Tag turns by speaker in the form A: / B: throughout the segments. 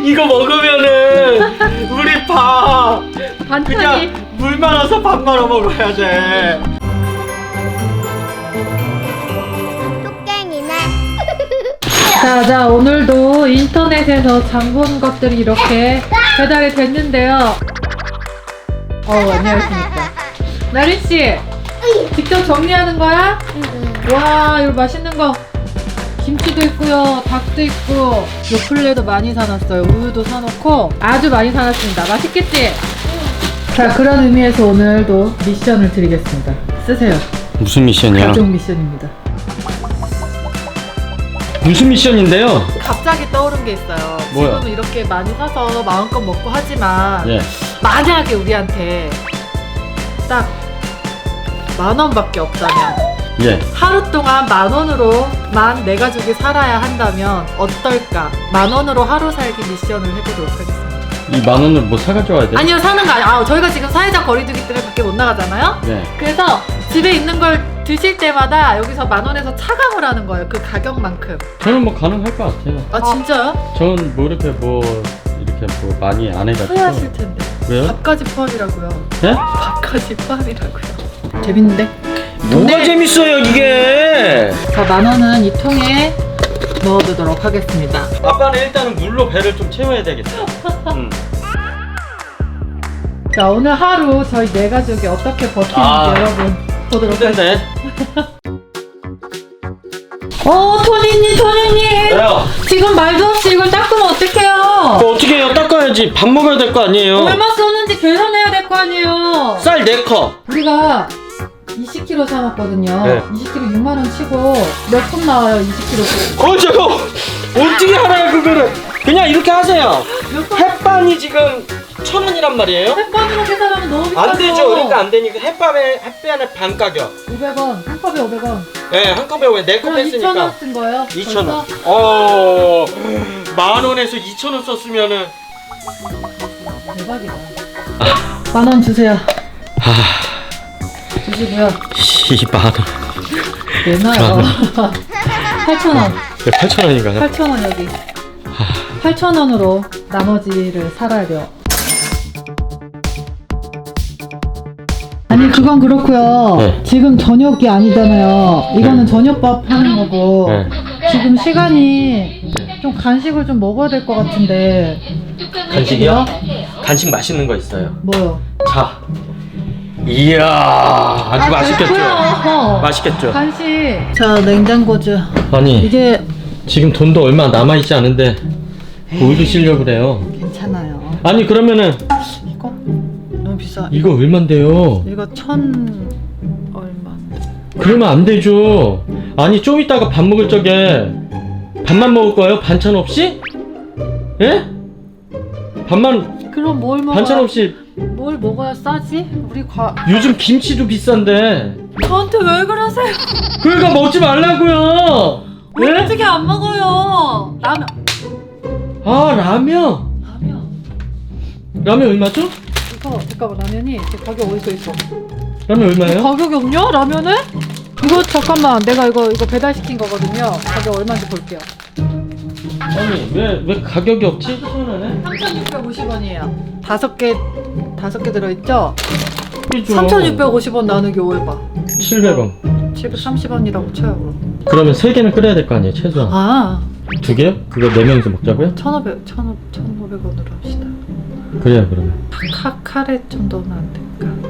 A: 이거 먹으면은 우리 밥
B: 반찬이
A: 그냥 물 말아서 밥 말아 먹어야 돼.
C: 뚝갱이네.
B: 자, 오늘도 인터넷에서 장 본 것들이 이렇게 배달이 됐는데요. 안녕하십니까. 나린씨, 직접 정리하는 거야? 와, 이거 맛있는 거. 김치도 있고요, 닭도 있고, 요플레도 많이 사놨어요. 우유도 사놓고 아주 많이 사놨습니다. 맛있겠지? 자, 그런 의미에서 오늘도 미션을 드리겠습니다. 쓰세요.
A: 무슨 미션이야?
B: 가족 미션입니다.
A: 무슨 미션인데요?
B: 갑자기 떠오른 게 있어요.
A: 뭐야?
B: 지금은 이렇게 많이 사서 마음껏 먹고 하지만
A: 예.
B: 만약에 우리한테 딱 10,000원밖에 없다면,
A: 예.
B: 하루 동안 10,000원으로만 내 가족이 살아야 한다면 어떨까? 10,000원으로 하루 살기 미션을 해보도록 하겠습니다.
A: 이 10,000원을 뭐 사가지고 와야 돼?
B: 아니요, 사는 거 아니에요. 저희가 지금 사회적 거리두기 때문에 밖에 못 나가잖아요.
A: 예.
B: 그래서 집에 있는 걸 드실 때마다 여기서 10,000원에서 차감을 하는 거예요. 그 가격만큼.
A: 저는 뭐 가능할 것 같아요.
B: 아, 진짜요?
A: 저는 뭐 이렇게 많이 안 해가지고.
B: 후회하실 텐데.
A: 왜요?
B: 밥까지 포함이라고요.
A: 예?
B: 밥까지 포함이라고요. 재밌는데?
A: 뭐가 재밌어요 이게?
B: 자, 10,000원은 이 통에 넣어두도록 하겠습니다.
A: 아빠는 일단은 물로 배를 좀 채워야 되겠어.
B: 자, 오늘 하루 저희 네 가족이 어떻게 버티는지
A: 아,
B: 여러분 보도록 하겠습니다.
A: 힘든데?
B: 토니님!
A: 왜요?
B: 지금 말도 없이 이걸 닦으면 어떡해요?
A: 어떻게 해요? 닦아야지. 밥 먹어야 될 거 아니에요?
B: 얼마 썼는지 계산해야 될 거 아니에요?
A: 쌀 4컵.
B: 우리가 20kg 사왔거든요.
A: 네.
B: 20kg 6만원 치고 몇 푼 나와요, 20kg?
A: 저거 어떻게 알아요 그거를? 그냥 이렇게 하세요.
B: 몇 푼?
A: 햇반이 지금 1,000원이란 말이에요?
B: 햇반으로 계산하면 너무 비싸요.
A: 안 되죠. 그러니까 안 되니까 햇반의 반 가격.
B: 500원, 한 컵에 500원.
A: 네, 한 컵에 왜 4컵
B: 그럼
A: 했으니까
B: 2,000원 쓴 거예요?
A: 2,000원.
B: 벌써?
A: 10,000원에서 2,000원 썼으면은
B: 대박이다. 10,000원 주세요. 주시고요.
A: 10만원.
B: 내놔요. 8,000원.
A: 8,000원인가요?
B: 8,000원 여기. 8,000원으로 나머지를 살아야 돼요. 아니, 그건 그렇고요.
A: 네.
B: 지금 저녁이 아니잖아요. 이거는
A: 네.
B: 저녁밥 하는 거고.
A: 네.
B: 지금 시간이 좀 간식을 좀 먹어야 될 것 같은데.
A: 간식이요? 간식 맛있는 거 있어요.
B: 뭐요?
A: 자. 이야, 아주 맛있겠죠?
B: 그렇고요.
A: 맛있겠죠?
B: 간식. 자, 냉장고주.
A: 아니,
B: 이게
A: 지금 돈도 얼마 남아있지 않은데 뭘 드시려고 그래요?
B: 괜찮아요.
A: 아니, 그러면은
B: 이거 너무 비싸.
A: 이거 얼만데요?
B: 이거 1,000 얼마?
A: 그러면 안 되죠. 아니, 좀 이따가 밥 먹을 적에 밥만 먹을 거예요? 반찬 없이? 예? 밥만,
B: 그럼 뭘 먹어야
A: 반찬 없이.
B: 뭘 먹어야 싸지? 우리
A: 요즘 김치도 비싼데.
B: 저한테 왜 그러세요?
A: 그러니까 먹지 말라고요.
B: 우리
A: 예?
B: 어떻게 안 먹어요? 라면.
A: 아, 라면. 라면 얼마죠?
B: 이거 잠깐만, 라면이 제 가격 어디서 있어?
A: 라면 얼마예요?
B: 가격이 없냐? 라면에? 이거 잠깐만, 내가 이거 배달시킨 거거든요. 가격 얼마인지 볼게요.
A: 아니, 왜 가격이 없지? 희한하네.
B: 3,650원이에요. 다섯 개 들어있죠?
A: 그죠?
B: 3,650원 나누기 5 해봐.
A: 700원.
B: 730원이라고 쳐요, 그럼.
A: 그러면 3개는 끓여야 될 거 아니에요, 최소한.
B: 아,
A: 2개요? 그거 4명이서 먹자고요?
B: 1,500원으로 합시다.
A: 그래요, 그러면.
B: 카레 좀 넣으면 안 될까?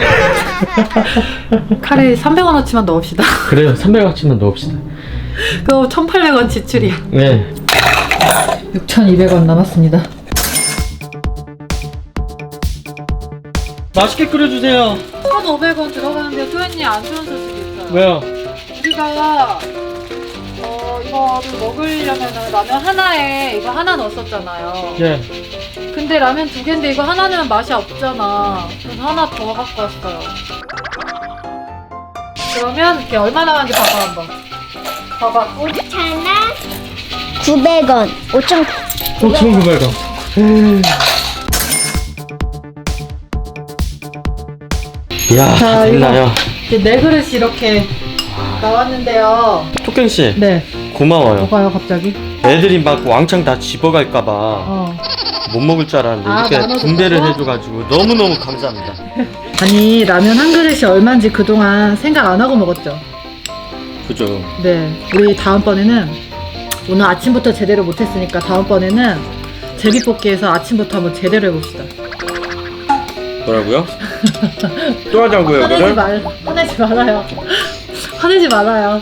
B: 조금. 카레 300원어치만 넣읍시다.
A: 그래요, 300원치만 넣읍시다.
B: 그거 1,800원 지출이야.
A: 네.
B: 6,200원 남았습니다.
A: 맛있게 끓여주세요.
B: 1,500원 들어가는데 소연님 안 좋은 소식이 있어요.
A: 왜요?
B: 우리가 이거를 먹으려면 라면 하나에 이거 하나 넣었었잖아요.
A: 예.
B: 근데 라면 2개인데 이거 하나는 맛이 없잖아. 그래서 하나 더 갖고 왔어요. 그러면 이게 얼마 나왔는지 봐봐 한번. 봐봐.
C: 5,900원.
A: 5,900원. 이야,
B: 자,
A: 됐나요?
B: 이제 네 그릇이 이렇게 나왔는데요.
A: 토끼씨,
B: 네.
A: 고마워요.
B: 뭐가요 갑자기?
A: 애들이 막 왕창 다 집어갈까봐 못 먹을 줄 알았는데
B: 아,
A: 이렇게
B: 나눠서
A: 분배를
B: 먹어?
A: 해줘가지고 너무너무 감사합니다.
B: 아니 라면 한 그릇이 얼마인지 그동안 생각 안 하고 먹었죠?
A: 그죠?
B: 네, 우리 다음번에는 오늘 아침부터 제대로 못했으니까 다음번에는 제비뽑기에서 아침부터 한번 제대로 해봅시다.
A: 뭐라고요? 또 하자고요,
B: 화내지 말아요. 화내지 말아요.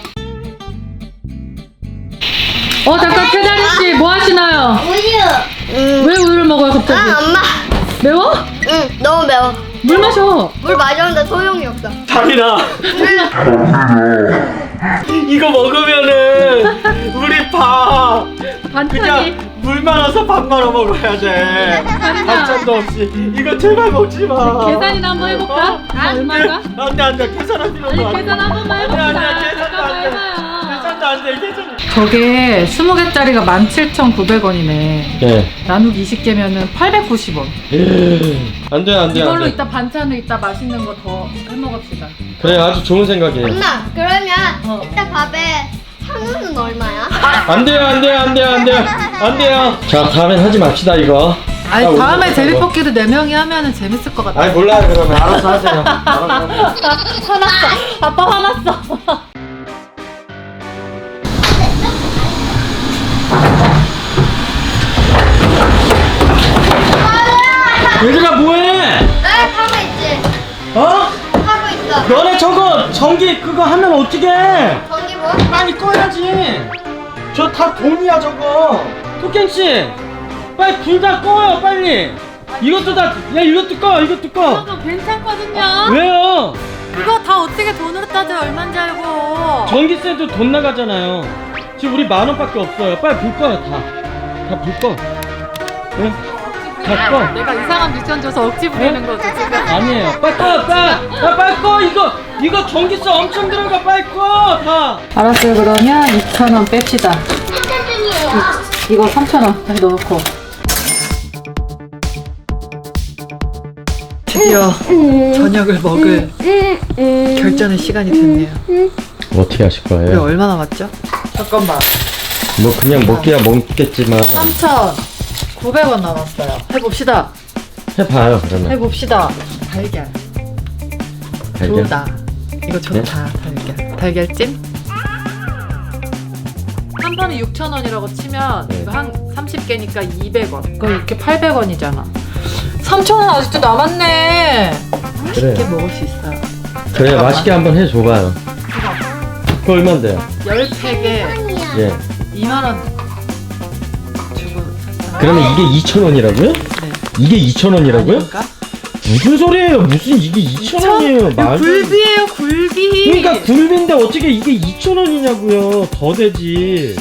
B: 잠깐 태자리 씨 뭐 하시나요?
C: 우유.
B: 왜 우유를 먹어요 갑자기?
C: 아, 엄마.
B: 매워?
C: 응, 너무 매워.
B: 물 마셔.
C: 물 마셨는데 소용이 없어.
A: 다민아, 이거 먹으면은 우리 밥
B: 반찬이.
A: 그냥 물 말아서 밥 말아 먹어야 돼. 반찬도 없이. 이거 제발 먹지 마.
B: 계산이나 한번 해볼까? 얼마인가?
A: 안돼 계산할 필요도
B: 아니 계산 한 번만 해봅시다.
A: 아니야, 계산도
B: 잠깐만
A: 안 돼.
B: 해봐요.
A: 계산도 안돼 계산.
B: 저게 20개짜리가 17,900원이네.
A: 네.
B: 나누기 20개면은 890원.
A: 안돼
B: 이걸로 이따 반찬을 이따 맛있는 거 더 해먹읍시다.
A: 그래 아주 좋은 생각이에요.
C: 엄마, 그러면
B: 어.
C: 이따 밥에 한우는 얼마야?
A: 안 돼요. 자 다음엔 하지 맙시다 이거.
B: 아니
A: 자,
B: 다음에
A: 오늘
B: 제비뽑기도 4명이 하면은 재밌을 것 같아.
A: 아니 몰라요 그러면 알아서 하세요. 알아서.
B: 화났어. 아빠 화났어.
A: 얘들아 뭐해?
C: 나 하고 있지.
A: 어?
C: 하고 있어.
A: 너네 저거 전기 그거 하면 어떡해?
C: 전기 뭐?
A: 빨리 꺼야지. 저 다 돈이야 저거. 토깽씨 빨리 불 다 꺼요 빨리. 이것도 다 야 이것도 꺼 이것도 꺼.
B: 이거 괜찮거든요.
A: 왜요?
B: 이거 다 어떻게 돈으로 따져 얼마인지 알고.
A: 전기세도 돈 나가잖아요. 지금 우리 10,000원밖에 없어요. 빨리 불 꺼요 다 불 꺼. 네? 다 꺼.
B: 내가 이상한 미션 줘서 억지 부리는 거죠 지금.
A: 아니에요. 빨리 꺼 빨리 꺼 이거 전기세 엄청 들어가 빨리 꺼 다.
B: 알았어요. 그러면 2,000원 뺍시다.
C: 한잔 중이에요.
B: 이거 3,000원 다시 넣고. 드디어 저녁을 먹을 결전의 시간이 됐네요.
A: 어떻게 하실
B: 우리
A: 거예요?
B: 얼마 남았죠? 잠깐만.
A: 뭐 그냥 먹기야 먹겠지만
B: 3,900원 남았어요. 해봅시다.
A: 해봐요 그러면.
B: 해봅시다. 달걀.
A: 달걀?
B: 좋다. 이거 좋다. 달걀. 달걀찜? 한 판에 6,000원이라고 치면
A: 네.
B: 이거 한 30개니까 200원. 그거 이렇게 800원이잖아. 3,000원 아직도 남았네. 맛있게
A: 그래.
B: 먹을 수 있어요.
A: 그래
B: 잠깐만.
A: 맛있게 한번 해줘봐요. 그거 얼만데요?
B: 10팩에
A: 예.
B: 2만원 주고 샀어요.
A: 그러면 이게 2,000원이라고요?
B: 네.
A: 이게 2,000원이라고요?
B: 아닌가?
A: 무슨 소리예요? 무슨 이게 2,000원이에요?
B: 이거 굴비예요, 굴비.
A: 그러니까 굴비인데 어떻게 이게 2,000원이냐고요? 더 되지.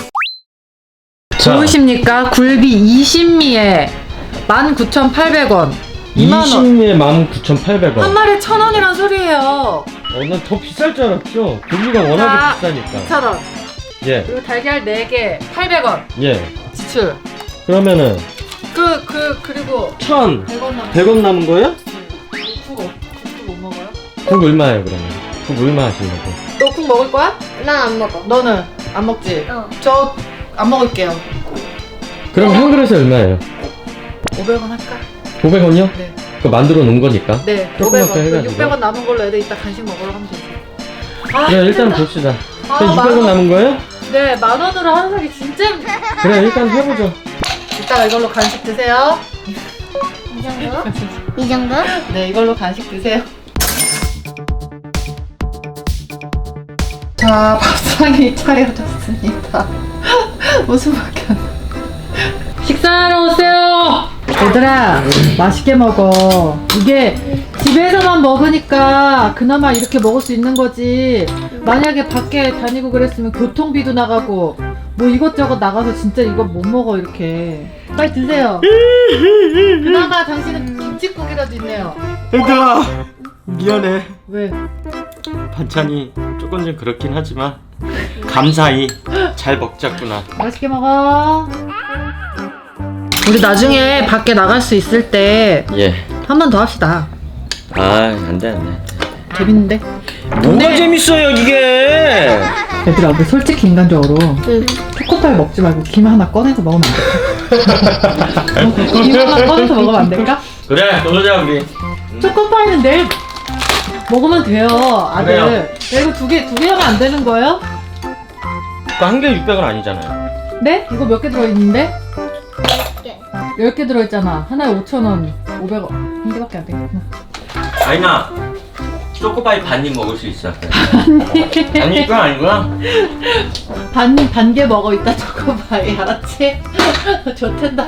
B: 좋으십니까? 굴비 20미에 19,800원. 2만원.
A: 20에 19,800원.
B: 한 마리에 1,000원이란 소리예요.
A: 난 더 비쌀 줄 알았죠. 고기가 워낙에 비싸니까.
B: 2,000원.
A: 예,
B: 그리고 달걀 4개 800원.
A: 예.
B: 지출.
A: 그러면은
B: 그리고
A: 1,000,
B: 100원 남았어요.
A: 100원 남은 거예요?
B: 국도 못 먹어요?
A: 그럼 얼마예요 그러면? 그럼 얼마 하시려고?
B: 너 국 먹을 거야?
C: 난 안 먹어.
B: 너는 안 먹지?
C: 어.
B: 저 안 먹을게요.
A: 그럼 한 그릇에 얼마예요?
B: 500원 할까?
A: 500원이요?
B: 네.
A: 그 만들어 놓은 거니까.
B: 네.
A: 조그맣게
B: 500원.
A: 해가지고.
B: 600원 남은 걸로 애들 이따 간식 먹으러 하면 되지. 아,
A: 그래 일단
B: 힘들다.
A: 봅시다.
B: 아,
A: 그럼 600원 남은 거예요?
B: 네, 10,000원으로 하는 사람이 진짜 힘들어.
A: 그래 일단 해보죠.
B: 이따가 이걸로 간식 드세요.
C: 이 정도? 이 정도?
B: 네, 이걸로 간식 드세요. 자, 밥상이 차려졌습니다. 웃음밖에 안 나. 식사하러 오세요. 얘들아, 맛있게 먹어. 이게 집에서만 먹으니까 그나마 이렇게 먹을 수 있는 거지. 만약에 밖에 다니고 그랬으면 교통비도 나가고 뭐 이것저것 나가서 진짜 이거 못 먹어 이렇게. 빨리 드세요. 그나마 당신은 김치국이라도 있네요.
A: 얘들아 미안해.
B: 왜?
A: 반찬이 조금 좀 그렇긴 하지만 감사히 잘 먹자꾸나.
B: 맛있게 먹어. 우리 나중에 밖에 나갈 수 있을 때 한 번
A: 예.
B: 더 합시다.
A: 아 안돼.
B: 재밌는데?
A: 뭐가 재밌어요 이게?
B: 얘들아, 우리 솔직히 인간적으로
C: 응.
B: 초코파이 먹지 말고 김 하나 꺼내서 먹으면 안 될까? 김 하나 꺼내서 먹으면 안 될까?
A: 그래, 그러자 우리.
B: 초코파이는 내일 먹으면 돼요, 아들.
A: 그래요.
B: 야, 이거 두 개 하면 안 되는 거예요?
A: 그거 한 개에 600원 아니잖아요.
B: 네? 이거 몇 개 들어있는데?
C: 개.
B: 10개 들어있잖아. 하나에 5,000원, 500원. 한 개밖에 안 되겠구나.
A: 아니나 초코파이 반입 먹을 수 있어. 아니 이건 아니구나.
B: 반 개 먹어, 이따 초코파이. 알았지? 좋텐다.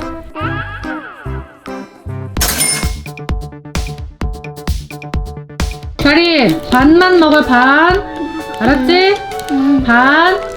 B: 다리, 반만 먹어, 반. 알았지? 반.